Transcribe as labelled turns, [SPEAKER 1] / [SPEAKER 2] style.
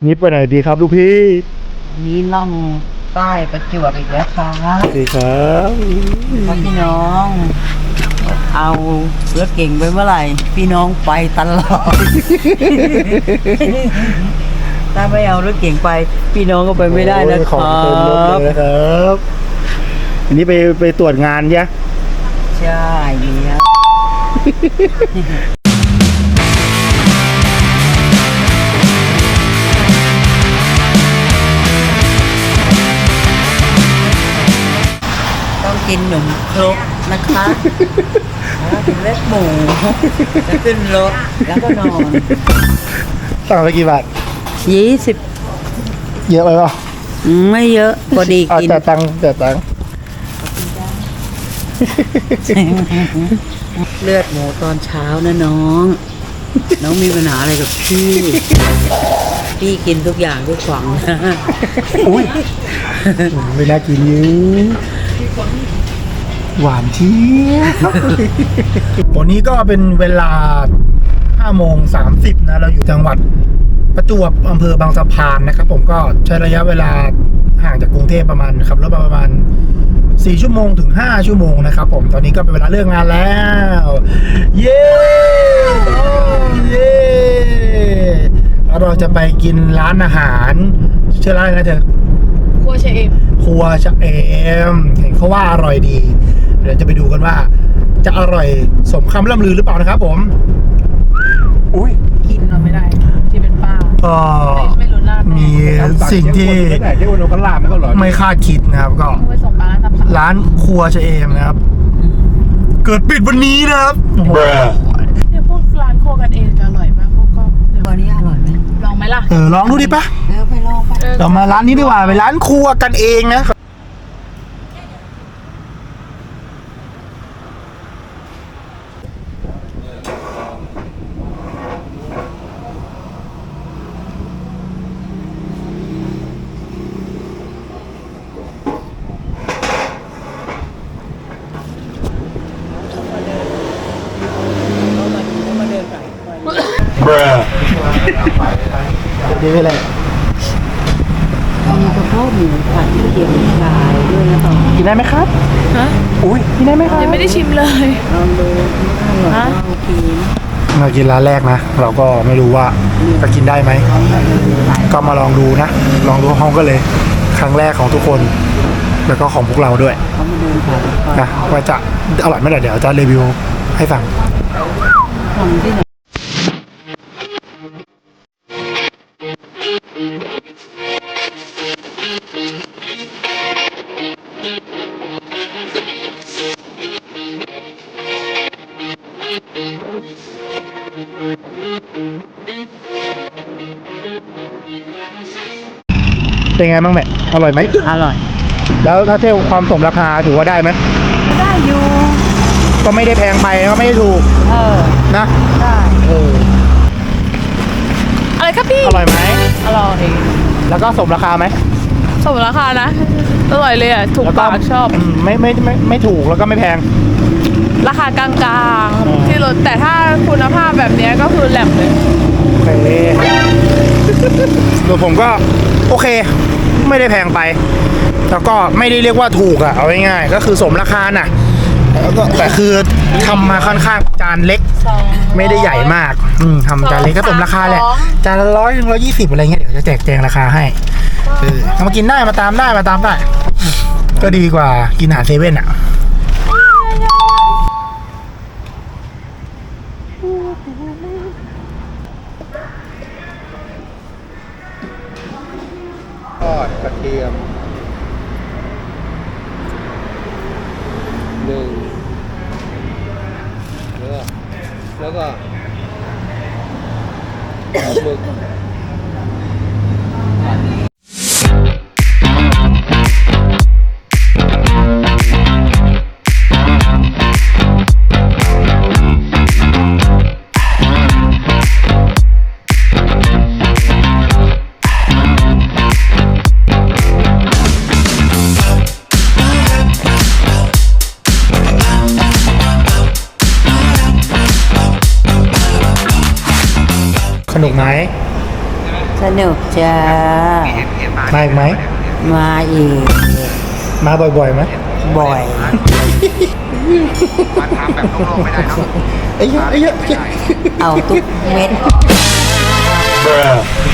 [SPEAKER 1] นี่ไปไหนดีครับลูกพี่
[SPEAKER 2] นี่ล่องใต้ประจวบอีกแล้วครับ
[SPEAKER 1] ดีครับ
[SPEAKER 2] พี่น้อง เอารถเก่งไปเมื่อไหร่ พี่น้องไปตลอด ถ้าไม่เอารถเก่งไป พี่น้องก็ไปไม่ได้นะค
[SPEAKER 1] ของ
[SPEAKER 2] รั
[SPEAKER 1] เต็มรถเลย
[SPEAKER 2] บ
[SPEAKER 1] นะครับอันนี้ไปตรวจงานใช่
[SPEAKER 2] ใช่เนี่ยต้องกินหนมครกนะคะกินเล็กหมูแล้วขึ้นรถแล้วก็นอน
[SPEAKER 1] สั่งไปกี่บาท
[SPEAKER 2] 20
[SPEAKER 1] เยอะไปเปล่า
[SPEAKER 2] ไม่เยอะพอดีกิน
[SPEAKER 1] แต่ตังค์
[SPEAKER 2] เลือดหมูตอนเช้านะน้อง น้องมีปัญหาอะไรกับพี่ พี่กินทุกอย่างทุกฝังนะ
[SPEAKER 1] อุ้ยไม่น่ากินยืดหวานเชียววันนี้ก็เป็นเวลา5:30นะเราอยู่จังหวัดประจวบอำเภอบางสะพานนะครับผมก็ใช้ระยะเวลาห่างจากกรุงเทพประมาณขับรถประมาณ4 ชั่วโมงถึง5 ชั่วโมงนะครับผมตอนนี้ก็เป็นเวลาเลิกงานแล้วเย้เย้เราจะไปกินร้านอาหารชื่อร้านอะไรนะเธอ
[SPEAKER 3] ครัวชะเอม
[SPEAKER 1] ครัวชะเอมเห็นเขาว่าอร่อยดีเดี๋ยวจะไปดูกันว่าจะอร่อยสมคำล่ำลือหรือเปล่านะครับผมอุ้ย
[SPEAKER 3] กินเราไม่ได้ที่เป็นป้า
[SPEAKER 1] ก็
[SPEAKER 3] ไม่รู้ล่า
[SPEAKER 1] มีสิ่งที่ไม่คาดคิดนะครับก็ร้านครัวชะเอมนะครับเกิดปิดวันนี้นะครับ
[SPEAKER 3] เนี่ยพวกร้านโคกันเองจะอร่อยมากพวกก็
[SPEAKER 2] วันนี้อร่อยไหม
[SPEAKER 3] ลองไหมล่ะ
[SPEAKER 1] ลองดูดิปะ
[SPEAKER 2] ไปลองไป
[SPEAKER 1] เรามาร้านนี้ดีกว่าไปร้านครัวกันเองนะดีไปเลย
[SPEAKER 2] มีกระเพาะหมูผัดกระเทียมชายด้วยนะต่อ
[SPEAKER 1] กินได้ไหมครับ
[SPEAKER 3] ฮะ
[SPEAKER 1] อุ้ยกินได้ไหมครับ
[SPEAKER 3] ยังไม่ได้ชิมเลย
[SPEAKER 2] ลองดูฮะโอเค
[SPEAKER 1] เรากินร้านแรกนะเราก็ไม่รู้ว่าจะกินได้ไหมก็มาลองดูนะลองดูห้องก็เลยครั้งแรกของทุกคนแล้วก็ของพวกเราด้วยนะว่าจะอร่อยไหมเดี๋ยวจะรีวิวให้ฟังเป็นไงบ้างแม่อร่อยไหม
[SPEAKER 2] อร่อย
[SPEAKER 1] แล้วถ้าเทียบความสมราคาถือว่าได้ไหม
[SPEAKER 2] ได้อยู่
[SPEAKER 1] ก็ไม่ได้แพงไปก็ไม่ได้ถูกนะ
[SPEAKER 2] ได้
[SPEAKER 3] อะไรครับพี่
[SPEAKER 1] อร่อยไหม
[SPEAKER 3] อร่อย
[SPEAKER 1] แล้วก็สมราคาไหม
[SPEAKER 3] สมราคานะอร่อยเลยอ่ะถูกปากชอบ
[SPEAKER 1] ไม่ถูกแล้วก็ไม่แพง
[SPEAKER 3] ราคากลางๆที่รถแต่ถ้าคุณภาพแบบนี้ก็คือแหลมเลย
[SPEAKER 1] โอเคส่วนผมก็โอเคไม่ได้แพงไปแล้วก็ไม่ได้เรียกว่าถูกอะเอาง่ายๆก็คือสมราคาน่ะแต่คือทำมาค่อนข้างจานเล็กไม่ได้ใหญ่มากทำจานเล็กก็สมราคาแหละจานละ100-120อะไรเงี้ยเดี๋ยวจะแจกแจงราคาให้มากินได้มาตามได้ก็ดีกว่ากินอาหารเซเว่นอะทอดกระเทียมแล้วก็หมึก
[SPEAKER 2] สนุกไหมสนุกจ้า
[SPEAKER 1] มาอีกไหม
[SPEAKER 2] มาอีก
[SPEAKER 1] มาบ่อยๆไหม
[SPEAKER 2] บ่อย
[SPEAKER 4] มันทำแบบโล่งๆไม่ได้เนาะ
[SPEAKER 1] ไอ้เหี้ย
[SPEAKER 2] เอาทุกเม็ด